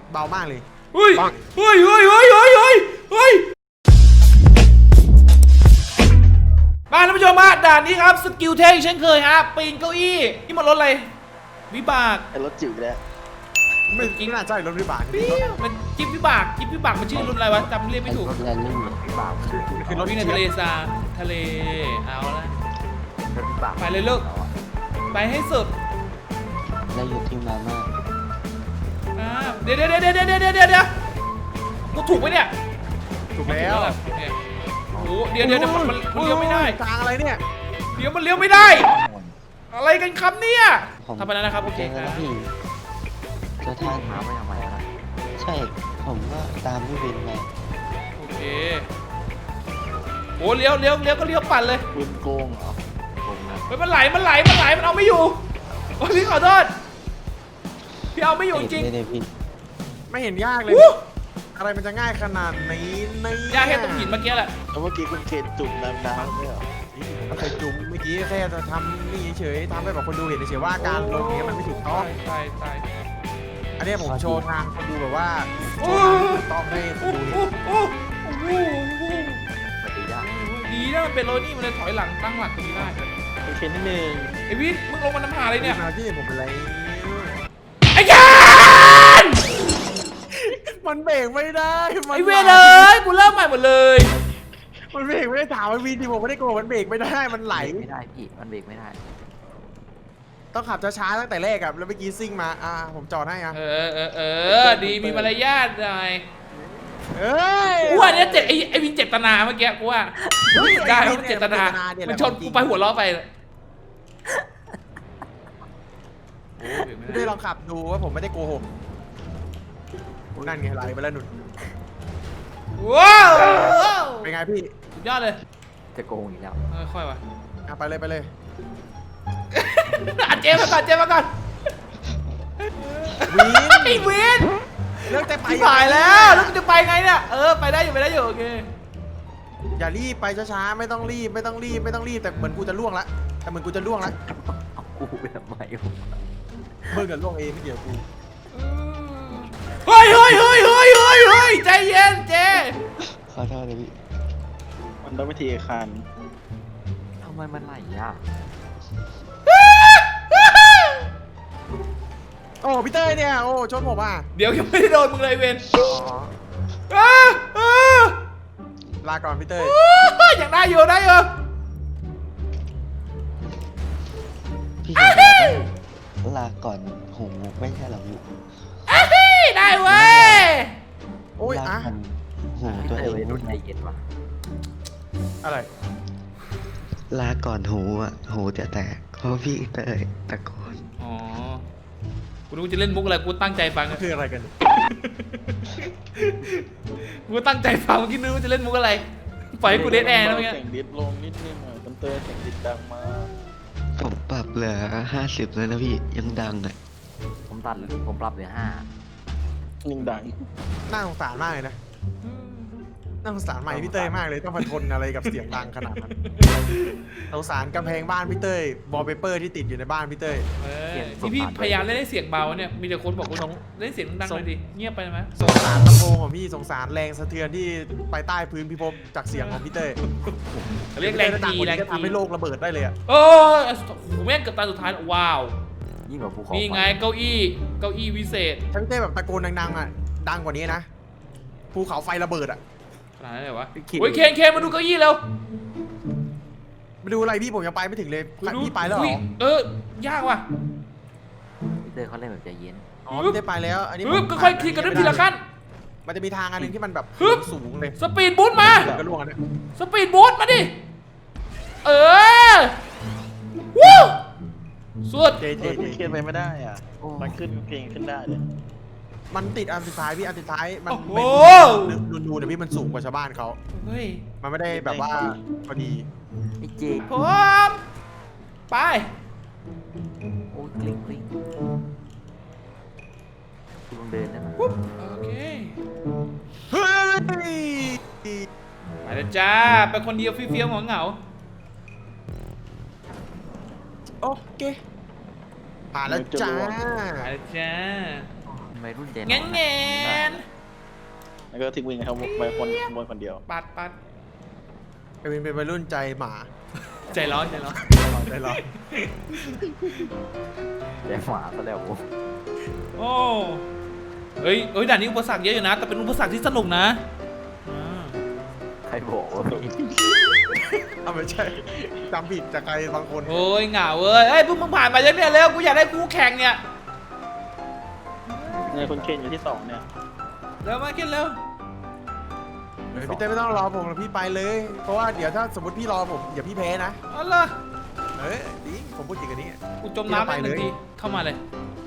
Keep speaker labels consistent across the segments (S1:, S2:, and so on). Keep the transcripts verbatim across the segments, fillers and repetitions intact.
S1: เบามากเลย
S2: เฮ้ยเฮ้ยเฮ้ยเฮ้ยเฮ้ยเฮ้ยเฮ้ยมาท่านผู้ชมมาด่านนี้ครับสกิลเทคเช่นเคยฮะปีนเก้าอี้นี่มันรถอะไรวิบาก
S3: ไอ้รถจิ๋วแล้ว
S1: ไม่ไม่น่าใช่รถวิบาก
S2: มันจิ๊บวิบากจิ๊บวิบากมันชื่อรุ่นอะไรวะจำเรียกไม่ถูก
S4: รถแรลลี่วิบาก
S1: คือรถ
S2: วิ่งในทะเลทรายทะเลเอาละ
S4: รถวิบาก
S2: ไปเลยลูกไปให้สุด
S4: แล้วอยู่ที่มาม่า
S2: อ่าเดี๋ยวเดี๋ยวเดี๋ยวเดี๋ยวเดี๋ยวเดี๋ยวเดี๋ยวกูถูกไหมเนี่ย
S1: ถูกแล้ว
S2: เนี่ยโอ้โหเดี๋ยวเดี๋ยวเดี๋ยวมันมันมันเลี้ยวไม่ได้
S1: ทางอะไรเนี่ย
S2: เดี๋ยวมันเลี้ยวไม่ได้ อะไรกันครับเนี่ยทำไปแล้วนะครับโอเค
S4: เจอ
S2: ค
S4: แล้
S2: รั
S4: ว
S2: บ
S4: พี่เจ้าท่าน
S3: หาไม่ทำไมนะ
S4: ใช่ผมก็ตามพี่วินมา
S2: โอเคโอ้เลี้ยวเลี้ยวเลี้ยวก็เลี้ยวปั่นเลย
S3: ปืนโกงเหรอโกงนะ
S2: เฮ้ยมันไหลมันไหลมันไหลมันเอาไม่อยู่โอ้ยพี่ขอโทษพี่เอาไม่อยู่จริง
S4: เลยพี่
S1: ไม่เห็นยากเลย
S2: อู้
S1: อะไรมันจะง่ายขนาดนี้นี่
S2: ยากแค่ตรงหินเมื่อกี้แหละ
S3: แล้วเมื่อกี้คุณเคนจุ่มน้ำน้ำเนี่ยเหรอ
S1: เราเคยจุ่มเมื่อกี้แค่จะทำนี่เฉยๆทำให้แบบคนดูเห็นเฉยๆว่าการลงนี้มันไม่ถูกต้อง
S2: ใช่ใช่
S1: อันนี้ผมโชว์ทางคนดูแบบว่าโช
S2: โอ้
S1: ว์ทางที่ถูกต้องให้ค
S2: โอ้
S1: นดู
S2: โห
S1: เห็น
S2: โอ้โหโอ้โห
S3: มันดียาก
S2: ดีนะมันเป็นโรนี่มันเลยถอยหลังตั้งหลักตรงนี้ได้
S3: คุณเคนนิดนึง
S2: ไอวิทมึงลงมาน้ำหาอะไรเนี่ย
S1: มาที่ผมเป็นไร
S2: ไอ้ยาน
S1: มันเบรกไม่ได้มัน
S2: ไอเวรเลยกูเริ่มใหม่หมดเลย
S1: มันเบรกไม่ได้ถามมันวีดีผมไม่ได้โกรธมันเบรกไม่ได้มันไหล
S4: ไม่ได้พี่มันเบรกไม่ได้
S1: ต้องขับช้าๆตั้งแต่แรกอะแล้วเมื่อกี้ซิ่งมาอ่าผมจอดให้อะ
S2: เออเออเออดีมีมารยาทหน่อย
S1: เอ้ย
S2: กูว่าเนี่ยเจ็บไอไอวินเจตนาเมื่อกี้กูว่าได้มันเจตนามันชนกูไปหัวล้อไปโอ้
S1: ไม่ได้ลองขับดูว่าผมไม่ได้โกหกนั่นไงไหลไปแล้วหนุน
S2: ว้าว
S1: เป็นไงพี่
S2: สุดยอดเลย
S4: จะโกงอีกแล้ว
S2: เออค่อยว่ะ
S1: อ่ะไปเลยไปเลย
S2: อ่ะเจมาก่อนเจมาก่อน
S1: วิน
S2: ไอ้วิน
S1: เลือกแต่ไป
S2: ไปแล้วแล้วกูจะไปไงเนี่ยเออไปได้อยู่ไปได้อยู่โอเค
S1: อย่ารีบไปช้าๆไม่ต้องรีบไม่ต้องรีบไม่ต้องรีบแต่เหมือนกูจะล่วงละแต่เหมือนกูจะล่วงละ
S4: เอากูไปทำไมผม
S1: เมื่อกับล่วงเองไม่เกี่ยวกู
S2: เฮ้ยเฮ้ยเฮ้ยเฮ้ยเฮ้ยเฮ้ยใจเย็นเจ
S4: ขอโทษเลยพี่
S3: มันต้องวิธีคัน
S4: ทำไมมันไหลอ่ะ
S1: โอ้พี่เต้ยเนี่ยโอ้ชนผมอ่ะ
S2: เดี๋ยวยังไม่ได้โดนมึงเลยเวน
S1: อ๋อ
S2: อ้าอ้า
S1: ลาก่อนพี่เต้ย
S2: ยังได้อยู่ได้อยู่
S4: พี่จะต้องลาก่อนหูไม่ใช่เหรอพี่
S2: เอ้ยได้เว้ย
S1: โอ้ย
S4: ลา
S1: อ่ะ
S4: ก่อนหูตัวเอง
S3: รุ่นใจเย็นว่ะ
S1: อะไร
S4: ลาก่อนหูอ่ะหูจะแตกเพราะพี่เตยตะโกน
S2: อ๋อกูรู้จะเล่นมุกอะไรกูตั้งใจฟัง
S1: คืออะไรกัน
S2: กูตั้งใจฟังเมื่อกี้นึกว่าจะเล่นมุกอะไรปล่อยให้กูเดทแอร์นะเมื่อกี้
S3: เสียงดิดลงนิดนึงอ่ะคุณเตยเสียงดิดดังมาก
S4: ผมปรับเหลือห้าสิบแล้วนะพี่ยังดังอ่ะ
S5: ผมตัดผมปรับเหลือห้า
S3: ยิ่งดัง
S1: น่าสงสารมากเลยนะน่าสงสารใหม่พี่เต้ยมากเลยต้องมาทนอะไรกับเสียงดังขนาดนั้นสงสารกำแพงบ้านพี่เต้ยบอลเปเปอร์ที่ติดอยู่ในบ้านพี่เต้ย
S2: เออนี่พี่พยายามเล่นให้เสียงเบาเนี่ยมีแต่คนบอกกูน้องเล่นเสียงดังๆหน่อยดิเงียบไปไหม
S1: สงสารลำโพงของพี่สงสารแรงสะเทือนที่ไปใต้พื้นพิภพจากเสียงของพี่เต้ย
S2: เรียกแรงจี
S1: แร
S2: แรง ง
S1: จะ
S2: จี
S1: ทำให้โลกระเบิดได้เลยอะ
S2: โอ้ยโอ้โหแม่งเกือบตาสุดท้ายแล้วว้าว
S5: ยิ่งกว่าภูเขา
S2: นี่ไงเก้าอี้เก้าอี้วิเศษ
S1: ถ้าพี่เต้แบบตะโกนดังๆอะดังกว่านี้นะภูเขาไฟระเบิดอะ
S2: ขนาดนั้นเลยวะโอ้ยเคนเคนมาดูเก้าอี้เร็ว
S1: มาดูอะไรพี่ผมยังไปไม่ถึงเลยพี่ไปแล้วเหรอ
S2: เออยากว่ะ
S5: พี่เตอร์เขาเล่นแบบใจเย็น
S1: อ๋อพี่ได้ไปแล้วอันนี้
S2: ฮึบก็ค่อยทีกันทีละขั้น
S1: มันจะมีทางอันหนึงที่มันแบบ
S2: ฮึบ
S1: สูงเลย
S2: สปีดบูทมา
S1: ก็ล่วงอันเนี้ย
S2: สปีดบูทมาดิเออวู้สุด
S1: เจเจ
S3: เฮ้ย
S1: เจ
S3: คุณเคนไปไม่ได้อ่ะมันขึ้นเก่งขึ้นได้เลย
S1: มันติดอันสุดท้ายพี่อันสุดท้ายมัน
S2: โอ้โห
S1: เป็นนูนๆแต่พี่มันสูงกว่าชาวบ้านเขา
S2: เฮ้ย
S1: มันไม่ได้แบบว่าพอดี
S5: ไอ้เจ
S2: พร้อมไป
S5: โอ้ยกลิ้งกลิ้งคุณลองเดินได้ไหม
S2: ปุ๊บโอเค
S1: เฮ้ย
S2: ไปแล้วจ้าไปคนเดียวเฟี้ยวๆเหงา
S1: โอเคผ่านแล้วจ้า
S2: ๆไปแล้วจ้า
S5: วัยรุ่นใจร้อน
S2: แง่นแง่น
S3: แล้วก็ทิ้งวินเขาไปคนบนคนเดียว
S2: ปัดปัด
S1: ไอวินเป็นวัยรุ่นใจหมา
S2: ใจร้อนใจร้อน
S1: ใจร้อน
S5: ใจหมาก็แล้วโอ้
S2: โอ้เฮ้ยเฮ้ยด่านนี้อุปสรรคเยอะอยู่นะแต่เป็นอุปสรรคที่สนุกนะอ่า
S5: ใครบอกว่าพี่
S1: เอาไม่ใช่จำผิดจากใครบางคน
S2: โอ้ยเหงาเว้ยเฮ้ยพวกมึงผ่านมายังเนี่ยเร็วกูอยากได้คู่แข่งเนี่ย
S3: เนี่ยคุณเคนอยู่ที่สองเนี่ย
S2: เร็วมาขึ้นเร็ว
S1: เฮ้ยพี่เต้ไม่ต้องรอผมหรอกพี่ไปเลย เพราะว่าเดี๋ยวถ้าสมมติพี่รอผมอย่าพี่แพ้นะ
S2: เอาล่ะ
S1: เฮ้ยดีผมพูดจริงอันนี้
S2: กูจมน้ำไปหนึ่งทีเข้ามาเลย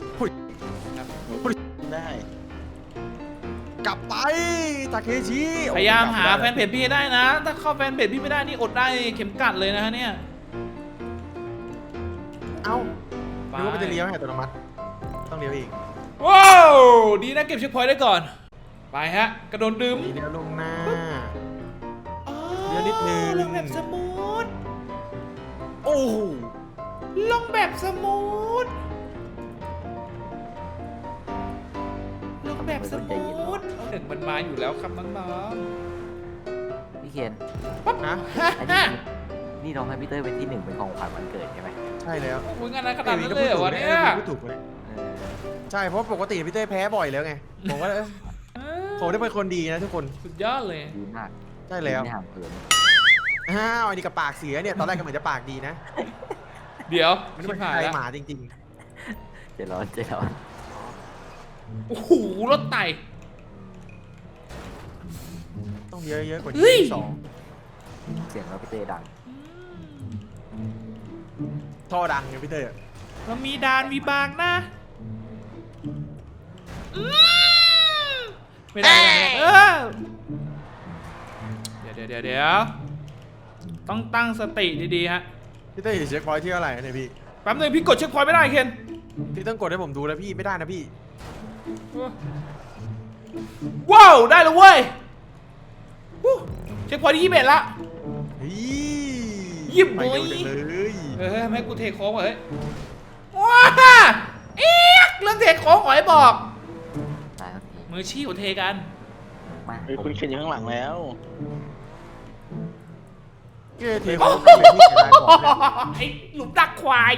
S3: ได้
S1: กลับไปตาเคชิ
S2: พยายามหาแฟนเพจพี่ให้ได้นะ ถ้าเข้าแฟนเพจพี่ไม่ได้นี่อดได้เข็มกัดเลยนะฮะเนี่ย
S1: เอ้านึกว่ามันจะเลี้ยวให้อัตโนมัติต้องเลี้ยวอีก
S2: ว้าวดีนะเก็บเช็คพอยต์ได้ก่อนไปฮะกระโดดดื่ม
S1: ดีเลี้ยวลงหน้า
S2: อ๋อ
S1: เดี๋ยวนิดนึง
S2: ลงแบบสมูท
S1: โอ้โห
S2: ลงแบบสมูทลงแบบสมูทเอาหนึ่งมันมาอยู่แล้วครับน้อง
S5: พี่เคน
S1: นะ
S2: ๆฮ่า
S5: อัน
S2: ฮ่า
S5: นี้นี่น้องให้พี่เต้ยเป็นที่หนึ่งเป็นของขวัญวันเกิดใช่ไหม
S1: ใช่แล้ว
S2: โอ้ยงานนั้นขนาดนั้นเลยเหรอวะเนี่ย
S1: พูดถูกเลย
S5: เออ
S1: ใช่เพราะปกติพี่เต้แพ้บ่อยแล้วไงผมว่าเอ้ยผมได้เป็นคนดีนะทุกคน
S2: สุดยอดเลย
S5: ดีมาก
S1: ใช่แล้ว
S5: ไม่ห่างเหิน
S1: อ้าวอันนี้กับปากเสียเนี่ยตอนแรกก็เหมือนจะปากดีนะ
S2: เดี๋ยว
S1: มัน
S2: ชิ
S1: เป็
S2: บ
S1: น
S2: หาย
S1: ใจ
S2: แล้ว
S1: หมาจริง
S5: ใจร้อนใจร้อน
S2: โอ้โหรถไต่
S1: ๆ ต้องเยอะเยอะๆกว่า
S2: เฮ้
S1: นี้
S2: ย
S1: สอง
S5: เสียงเราพี่เต้ดัง
S1: ท่อดังไงพี่เต้
S2: เรามีดานมีบางนะอืมไม่ได้ไม่ได้เออเดี๋ยวเดี๋ยวเดี๋ยวเดี๋ยวต้องตั้งสติดีๆฮะ
S1: พี่เต้อยู่เช็คพอยท์ที่เท่าไหร่เนี่ยพี่
S2: แป๊บนึงพี่กดเช็คพอยต์ไม่ได้เคน
S1: พี่ต้องกดให้ผมดูแล้วพี่ไม่ได้นะพี่
S2: ว้าวได้แล้วเว้ยวู้เช็คพอยต์ที่ยี่สิบเอ็ดละ
S1: เฮ้ย
S2: ยิบ
S1: ไป
S2: โว้ย
S1: เร็วจังเลย
S2: เออแม่กูเทโค้งว่ะเฮ้ยว้าเอ๊ะเรื่องเทโค้งขอให้บอก
S5: ตายทันที
S2: มือชี้หัวเทกัน
S5: มา
S3: เฮ้ยคุณเคนอยู่ข้างหลังแล้ว
S1: เกเทเขาเป็นที่เสียดายของเนี่ย
S2: ไอ้หลุมดักควาย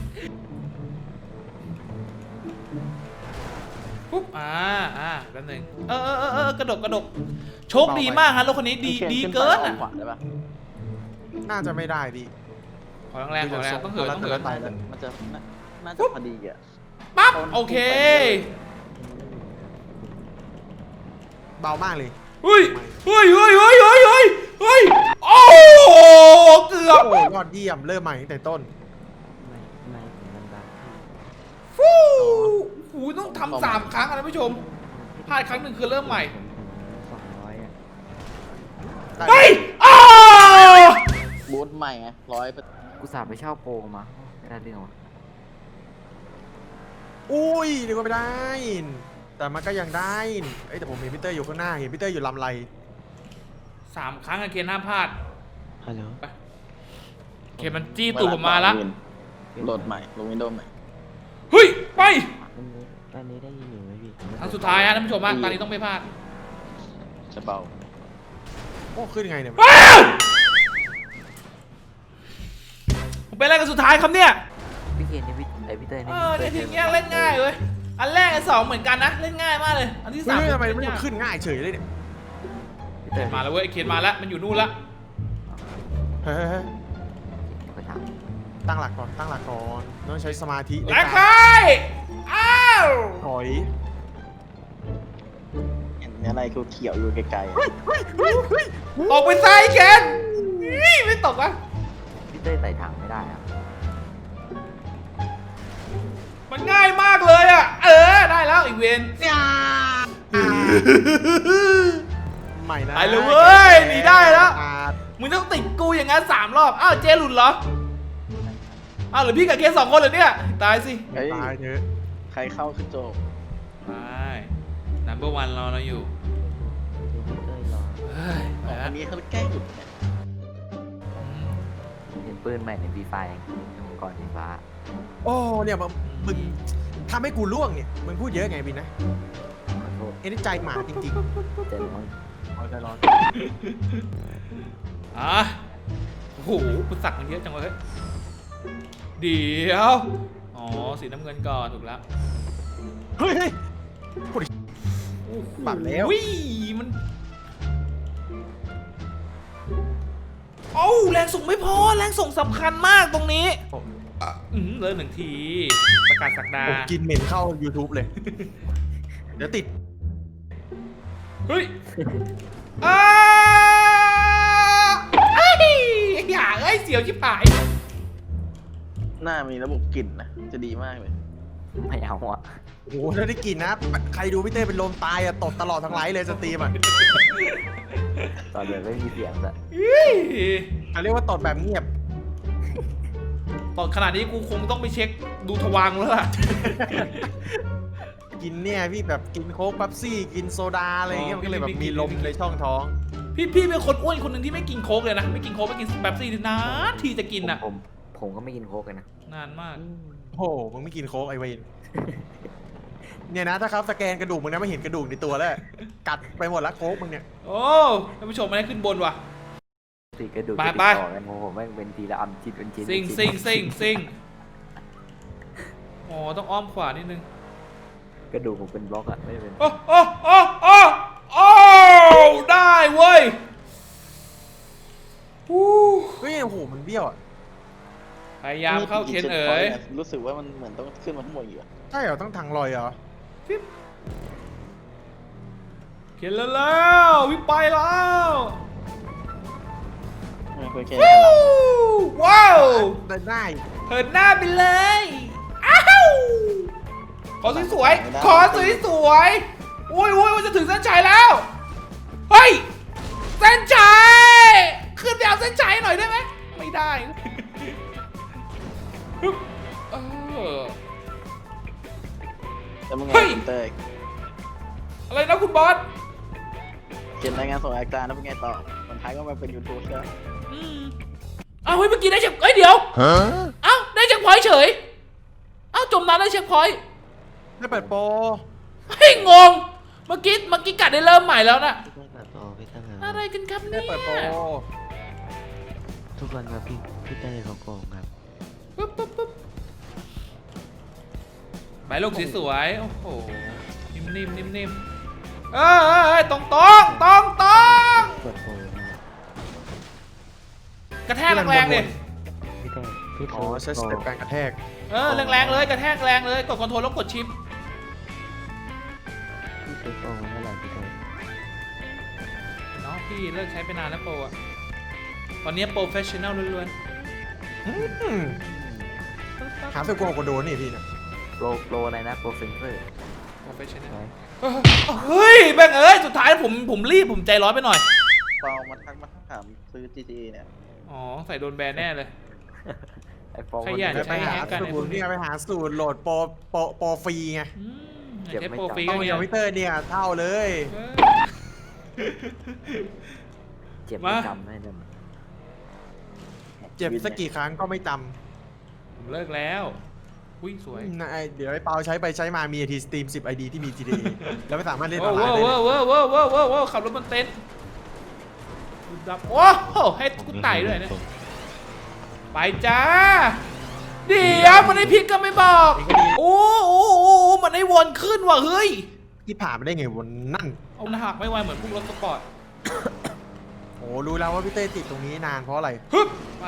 S2: ปุ๊บอ่าอ่าแป๊บนึงเออเออเออเออกระดกกระดกโชคดีมากฮะรถคันนี้ดี
S3: คุณคน
S2: ดี
S3: ขึ้
S2: เกิน
S3: ไป
S2: อ่ะ
S3: ขวาได้ปะ
S1: น่าจะไม่ได้พี่
S2: ขอแรงๆขอแรงๆต้องเหินต้องเหิน
S1: ไปเลย
S3: มันจะน่าน่าจะพอดีอ่ะ
S2: ปั๊บโอเค
S1: เบามากเลย
S2: เฮ้ยเฮ้ยเฮ้ยเฮ้ยเฮ้ยเฮ้ยเฮ้ยโอ้เกือบ
S1: โอ้ยอดเยี่ยมเริ่มใหม่ตั้งแต่ต้น
S5: ไม่ไม่ถึงมันดัง
S2: ฟูหูต้องทำสามครั้งอะท่านผู้ชมพลาดครั้งหนึ่งคือเริ่มใหม่
S5: สองร้อยอ่ะ
S2: เฮ้ยอ้า
S3: บูทใหม่ไงร้อย
S5: กูสาบไปเช่าโปรมาไม่ได้เรื่องวะ
S1: อุ้ยนึกว่าไม่ได้ แต่มันก็ยังได้เอ้ยแต่ผมเห็นพี่เตอร์อยู่ข้างหน้าเห็นพี่เตอร์อยู่ลำไร
S2: สามครั้งอะเคนห้ามพลาด
S4: ฮัลโหล
S2: เคนมันจี้ตูดผมมาละ
S3: โหลดใหม่ลงวินโดว์ใหม่
S2: เฮ้ยไป
S4: อันนี้อันนี้ได้ยินอยู่ไหมพี่
S2: ครั้งสุดท้ายฮะท่านผู้ชมฮะตอนนี้ต้องไม่พลาด
S3: จะเบา
S1: โอ้ขึ้นยังไงเนี่ย
S2: อ้าวผมเป็นอะไรกันสุดท้ายครับเนี่ย
S5: พี่เคนนี่พี่ไอพี่เต้ย
S2: เอ
S5: นี่
S2: อในทีเนี้ยเล่นง่ายเว้ยอันแรกอันสองเหมือนกันนะเล่นง่ายมากเลยอันที่สาม
S1: เฮ้ยทำไม
S2: เล่
S1: มัน
S2: ยาก
S1: ขึ้นง่ายเฉยเลยเนี่ย
S5: พี่เต้ย
S2: มาแล้วเว้ยไอ้เคนมาแล้วมันอยู่นู่นละ
S1: เฮ้ยเฮ้ยเฮ้ย
S5: ไปถาม
S1: ตั้งหลักก่อนตั้งหลักก่อนต้องใช้สมาธิใน
S2: แล้
S1: กาว
S2: ใคร
S1: ร
S2: อ้าว
S1: ถอย
S3: เห็นอะไรเขียวๆอยู่ไกลๆอะ
S2: ออกไปซ้ายเคนนี่ไม่ตกอ่ะ
S5: พี่เต้ยใส่ถังไม่ได้อะ
S2: มันง่ายมากเลยอ่ะเออได้แล้วอีกเวน
S1: ใหม่นะ
S2: ไปเลยเว้ยหนีได้แล้ว
S1: อ่า
S2: มึงต้องติดกูอย่างนั้นสามรอบอ้าวเจหลุดเหรออ้าวหรือพี่กับเคนสองคนเหรอเนี่ยตายสิ
S3: เฮ้ย
S1: ตายเถอะ
S3: ใครเข้าคือโจบ
S2: ไป number one รอเราอยู่
S5: ดูพี่เต้ยรอ
S2: เฮ้ยไป
S3: อั
S2: แล้ว
S3: นนี้เขาแกล้งหยุดเนี่ย
S5: เห็นปืนใหม่ในฟรีไฟก่อนสีฟ้า
S1: โอ้เนี่ยมึงมึงทำให้กูล่วงเนี่ยมึงพูดเยอะไงบินนะ
S2: เ
S1: อ้นี่ใจหมาจริง
S5: เจอน้อย
S1: ๆเอาใจร้อน
S2: อ่ะโอ้โหปุสักมันเยอะจังวะเฮ้ยเดี๋ยวอ๋อสีน้ำเงินก่อนถูกแล้ว
S1: เฮ้ยเฮ้ยพูดดิ
S2: โอ้โห
S1: ปัดแล้ว
S2: วิ่มันโอ้าแรงส่งไม่พอแรงส่งสำคัญมากตรงนี้อ่ะอืมเลยหนึ่งทีประกาศสักดา
S1: ผมกินเหม็นเข้า YouTube เลย เดี๋ยวติด
S2: เฮ้ยอ้าไอ้อย่าเอ้ยเสียวชิบหาย
S3: หน้ามีระบบกลิ่นนะจะดีมากเลย
S5: ไม่เอาอ่ะ
S1: โอ้โหถ้าได้กินนะ ใครดูพี่เต้เป็นลมตายอะตดตลอดทั้งไลฟ์เลยสตรีมอะ
S5: ตอนเดินไม่มีเสียงอะ
S2: เฮ้ย
S1: เขาเรียกว่าตดแบบเงียบ
S2: ตอนขนาดนี้กูคงต้องไปเช็คดูทวารแล้วล่ะ
S1: กินเนี่ยพี่แบบกินโค้กเป๊ปซี่กินโซดาอะไรอย่างเงี้ย
S2: อ๋อ
S1: มันก็เลยแบบ
S2: พี่ไม่กิน
S1: มีลมในช่องท้อง
S2: พี่พี่เป็นคนอ้วนคนหนึ่งที่ไม่กินโค้กเลยนะ ไม่กินโค้กไม่กินแป๊บซี่นานทีจะกินอ่ะ
S5: ผมผมก็ไม่กินโค้กเลยนะ
S2: นานมาก
S1: โอ้โหมึงไม่กินโค้กไอเวนเนี่ยนะถ้าเขาสแกนกระดูกมึงนะไม่เห็นกระดูกในตัวแล้วกัดไปหมดละโค้กมึงเนี่ย
S2: โอ้ท่านผู้ชมไม่ได้ขึ้นบนว่ะ
S5: ตีกระดูก
S2: ไป
S5: จะติด
S2: ไป
S5: ต่อกันของผมแม่งเป็นทีละอันชิ้นเป็นชิ้น
S2: ซิง
S5: เป็น
S2: ซิ
S5: ชิ้
S2: ง
S5: น
S2: ซิงซิงอ๋อต้องอ้อมขวานิดนึง
S5: กระดูกผมเป็นบล็อกอะไม่ได้เป็น
S2: โอ้โอ้โอ้โอ้โอ้ได้เว้ยฮู้
S1: เฮ้ยโอ้โหมันเบี้ยวอ่ะ
S2: พยายามเข้าเคนเอ๋ย
S3: รู้สึกว่ามันเหมือนต้องขึ้นมาทั้งหมดอยู่อะ
S1: ใช่เหรอต้องทางลอยเหรอ
S2: เคนแล้วแล้ววิงไปแล้ว
S3: ไม่เคยแค่
S2: วู้ว้าว
S1: ได้ได้
S2: เหินหน้าไปเลย อ้าวขอสวยๆขอสวยๆอุ้ยอุ้ยมันจะถึงเส้นชัยแล้ว เฮ้ย เส้นชัย ขึ้นไปเอาเส้นชัยหน่อยได้ไหม ไม่ได้ฮึบเออ
S3: แต่มึงไง
S2: เฮ้ย
S3: คุณเต้ย
S2: อะไรนะคุณบอส
S3: เขียนรายงานส่งอาจารย์แล้วเป็นไงต่อสุดท้ายก็มาเป็นยูทูบใช่ไหม
S2: อืมอ้าวเฮ้ยเมื่อกี้ได้เช็คเอ้ยเดี๋ยวเอ้าได้เช็คพอยต์เฉยเอ้าจมน้ำได้เช็คพอยต์
S1: ไม่เปิดโปร
S2: เฮ้ยงง เมื่อกี้เมื่อกี้กัดได้เริ่มใหม่แล้วนะ
S4: พี่เต้ยเปิดโปรพี่เต้ย
S2: อะไรกันครับ
S1: ไม่
S2: เนี่ย
S1: เปิดโปร
S4: ทุกวันครับพี่พี่เต้ยเขาโกงครับ
S2: ปึ๊บปึ๊บปึ๊บใบลูกสวยๆโอ้โหนิ่มๆนิ่มๆเออเออเออตรงตรงตรงตรง
S4: เปิดโปรนะ
S2: กระแทกแรงๆเลย
S4: พี่เต้ยพี่
S1: อ๋อ
S4: เต้ย
S1: ใช้สเต็ปการกระแทก
S2: เออแรงๆเลยกระแทกแรงเลยกดคอนโทรลแล้วกดชิป
S4: พี่ซื้อโปรมาเท่าไหร่พี่เต้ย
S2: เนาะพี่เลิกใช้ไปนานแล้วโปรอะตอนนี้โปรเฟชชั่นแนลล้วน
S1: อืม
S2: ๆ
S1: หาซื้อกลัวกว่าโดนนี่พี่นะ
S5: โปรโปรอะไรนะโปรเซนเซอร์
S2: โปรเฟชชั่นแนลเฮ้ยแบงเอ้ยสุดท้ายผมผมรีบผมใจร้อนไปหน่อย
S3: เปามาทักมาถามซื้อ จี ที เอ เนี่ย
S2: อ๋อใส่โดนแบนแน่เลย
S5: ไอ้ฟอง
S2: ขยัน
S1: ไป
S2: ใช้
S1: หา
S2: แฮกกัน
S1: สูตรเนี่ยไปหาสูตรโหลดโปรโปรโปรฟรีไง
S2: อืมใช้โปรฟรี
S1: ต้
S2: ก็
S1: อง
S2: เนี่
S1: ค
S2: ย
S1: อมพิวเตอร์เนี่ยเท่าเลย
S2: เออ
S5: เจ็บ
S2: มา
S5: ไม่จำไม่จ
S1: เจ็บสักกี่ครั้งก็ไม่จ
S2: ผมเลิกแล้วอุ้ยสวย
S1: ำนะไอ้เดี๋ยวไอ้เปาใช้ไปใช้มามีทีสตรีมสิบไอดีที่มี จี ที เอ แล้วไม่สามารถเล่นอ
S2: ว้า
S1: อน
S2: ว
S1: ไลน์ได้
S2: ว้าว
S1: เลย
S2: ว้าวว้าวว้าวว้าวว้าวขับรถบนเต็นท์ดับโอ้โหให้กูไต่ด้วยนะไปจ้าเดี๋ยวมันได้พลิกก็ไม่บอกโอ้โอ้โอ้มันได้วนขึ้นว่ะเฮ้ย
S1: ที่ผ่านมาได้ไงวันนั่น
S2: เอาหน้าหักไม่ไหวเหมือนพวกรถสปอร์ต
S1: โอ้รู้แล้วว่าพี่เต้ติดตรงนี้นานเพราะอะไร
S2: ฮึบไป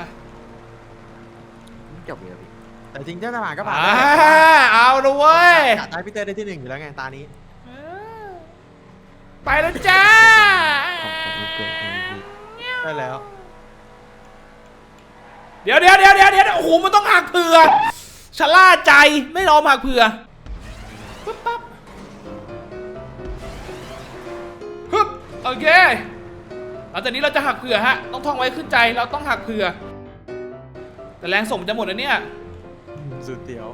S5: ำจบเลยพี่
S1: แต่จริงๆถ้าผ่านก็ผ่าน
S2: อ่า
S1: ได้
S2: เอาละเว้ย
S1: อยากได้พี่เต้ได้ที่หนึ่งอยู่แล้วไงตานี้
S2: เออไปแล้วจ้า
S4: ของผมมันเกิดในวี
S1: ได้แล้ว
S2: เดี๋ยวเดี๋ยวเดี๋ยวเดี๋ยวเดี๋ยวโอ้โหมันต้องหักเผื่อชะล่าใจไม่รอมหักเผื่อปึ๊บปั๊บฮึบโอเคหลังจากนี้เราจะหักเผื่อฮะต้องท่องไว้ขึ้นใจเราต้องหักเผื่อแต่แรงส่งจะหมดแล้วเนี่ย
S1: สุดเตี๋ยว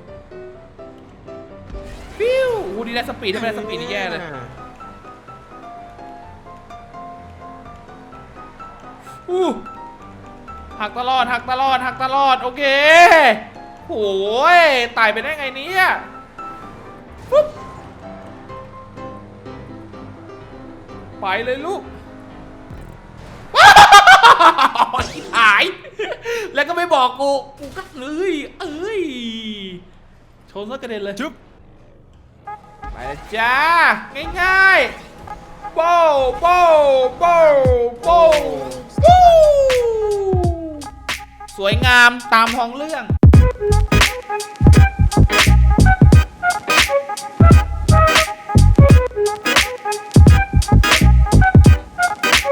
S2: ฟิวโอ้โหดีได้สปีดถ้าไม่ได้สปีดนี่แย่เลยอู้หักตลอดหักตลอดหักตลอดโอเคโอ้ยตายไปได้ไงเนี่ยปุ๊บไปเลยลูกหาย แล้วก็ไม่บอกกู กูก็เอ้ยเอ้ยชนซะกระเด็นเลยไปเลยจ้า ง่ายๆโป้โป้โป้โป้โป้สวยงามตามท้องเรื่อง